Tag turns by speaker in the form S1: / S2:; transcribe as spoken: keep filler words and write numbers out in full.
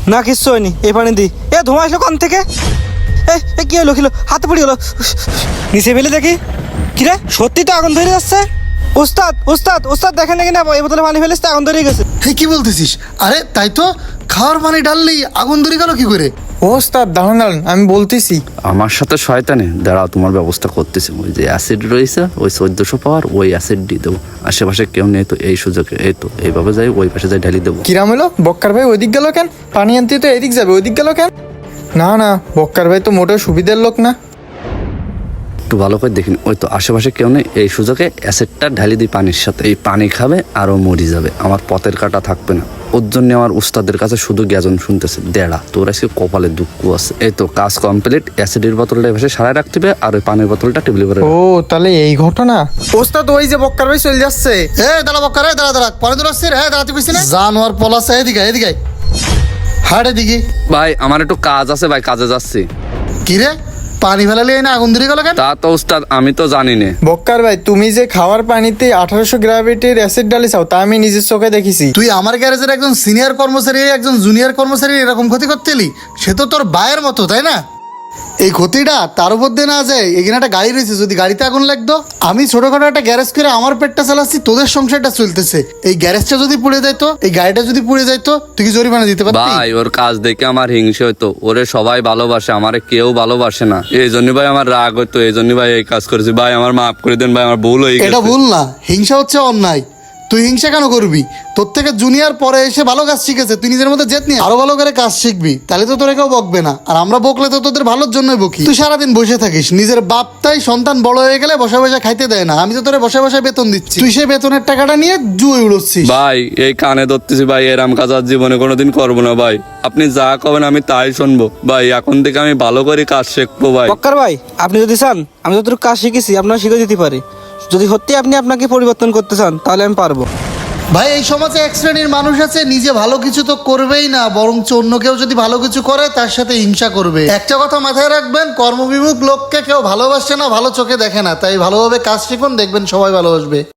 S1: না কিচ্ছু হয়নি, এই পানি দি। এ ধোঁয়া আসলো কান থেকে। এ এ কি হলো, কিলো হাতে পড়ে গেলো। নিচে ফেলে দেখি, কিরে সত্যি তো আগুন ধরে যাচ্ছে। উস্তাদ উস্তাদ উস্তাদ দেখেন নাকি না, এই বোতলে পানি ফেলেছে, আগুন ধরে গেছে।
S2: হে কি বলতেছিস? আরে তাই তো, খাওয়ার পানি ঢাললেই আগুন ধরে গেল কি করে?
S3: ও ওস্তাদ দাঁড়ান দাঁড়ান, আমি বলতেছি।
S4: আমার সাথে শয়তানি, দাঁড়াও তোমার ব্যবস্থা করতেছি। ওই যে অ্যাসিড রয়েছে, ওই চোদ্দশো পাওয়ার ওই অ্যাসিড দিয়ে দেবো। আশেপাশে কেউ নেই তো এই সুযোগে, এই তো এইভাবে যাই ওই পাশে যাই ঢালি দেবো।
S3: কিরাম হলো, বক্কার ভাই ওইদিক গেল কেন? পানি আনতে তো এদিক যাবে, ওইদিক গেল কেন? না না, বক্কার ভাই তো মোটেও সুবিধার লোক না।
S4: একটু ভালো করে দেখিনি, ওই তো আশেপাশে কেউ নেই, এই সুযোগে অ্যাসিডটা ঢালি দিই পানির সাথে। এই পানি খাবে আরও মরি যাবে, আমার পথের কাটা থাকবে না। ওর জন্য আমার উস্তাদের কাছে শুধু গ্যাজন শুনতেছে। দেড়া তোর আজকে কপালে দুঃখ আছে। এই তো কাজ কমপ্লিট, অ্যাসিডের বোতলটা এভাবে সারায় রাখতে হবে, আর ওই পানির বোতলটা টেবিলের উপরে।
S3: ও তাহলে এই ঘটনা। ওস্তাদ ওই যে বক্কার ভাই চলে যাচ্ছে।
S2: এ দাঁড়া বক্কার, এ দাঁড়া দাঁড়া, পরে দূর আসছিস। হ্যাঁ দাঁড়াতে কইছি না, জানোয়ার পলাছে। এদিকে এদিকে হাট এদিকে।
S4: ভাই আমার একটু কাজ আছে ভাই, কাজে যাচ্ছি।
S2: কি রে, পানি ফেলালে না আগুন ধরে গেল কেন?
S4: তা তো উস্তাদ আমি তো জানি না।
S3: বক্কার ভাই তুমি যে খাওয়ার পানিতে আঠারোশো গ্রাভিটির অ্যাসিড ডালিছাও, তা আমি নিজের চোখে দেখেছি।
S2: তুই আমার গ্যারেজের একজন সিনিয়র কর্মচারী, একজন জুনিয়র কর্মচারী এরকম ক্ষতি করতে এলি? সে তো তোর ভাইয়ের মতো, তাই না? এই ক্ষতিটা তার উপর দিয়ে না যায়। এখানে একটা গাড়ি রয়েছে, যদি গাড়িতে আগুন লাগতো। আমি ছোটখাটো একটা গ্যারেজ করে আমার পেটটা চালাচ্ছি, তোদের সংসারটা চলতেছে। এই গ্যারেজটা যদি পুড়ে যাইতো, এই গাড়িটা যদি পুড়ে যাইতো, তুই কি জরিমানা দিতে পারতি?
S4: ভাই ওর কাজ দেখে আমার হিংসে হইতো। ওরে সবাই ভালোবাসে, আমারে কেউ ভালোবাসে না। এই জন্য ভাই আমার রাগ হইতো, এই জন্য ভাই এই কাজ করেছি। ভাই আমার মাফ করে দেন ভাই, আমার ভুল হয়ে গেছে।
S2: এটা ভুল না, হিংসা হচ্ছে অন্যায়। তুই হিংসা কেন করবি? তোর থেকে জুনিয়র পরে এসে ভালো কাজ শিখেছে, তুই নিজের মধ্যে জেদ নিয়ে আরো ভালো করে কাজ শিখবি, তাহলে তো তোরা কেউ বকবে না। আর আমরা বকলে তো তোদের ভালোর জন্যই বকি। তুই সারাদিন বসে থাকিস, নিজের বাপটাই সন্তান বড় হয়ে গেলে বসে বসে খাইতে দেয় না। আমি তো তোরে বসে বসে বেতন দিচ্ছি, তুই সেই বেতনের টাকাটা নিয়ে জুয়ে উড়োচ্ছিস।
S4: ভাই এই কানে ধরতেছি ভাই, এরাম কাজ আর জীবনে কোনোদিন করবো না ভাই। আপনি যা কবেন আমি তাই শুনবো ভাই। এখন থেকে আমি ভালো করে কাজ শিখবো ভাই।
S1: বক্কার ভাই আপনি যদি চান, আমি যতটুকু কাজ শিখেছি আপনার শিখে দিতে পারি। যদি সত্যি আপনি আপনাকে পরিবর্তন করতে চান তাহলে আমি পারবো।
S2: ভাই এই সমাজে এক শ্রেণীর মানুষ আছে, নিজে ভালো কিছু তো করবেই না, বরঞ্চ অন্য কেউ যদি ভালো কিছু করে তার সাথে হিংসা করবে। একটা কথা মাথায় রাখবেন, কর্মবিমুখ লোককে কেউ ভালোবাসে না, ভালো চোখে দেখে না। তাই ভালোভাবে কাজ শিখুন, দেখবেন সবাই ভালোবাসবে।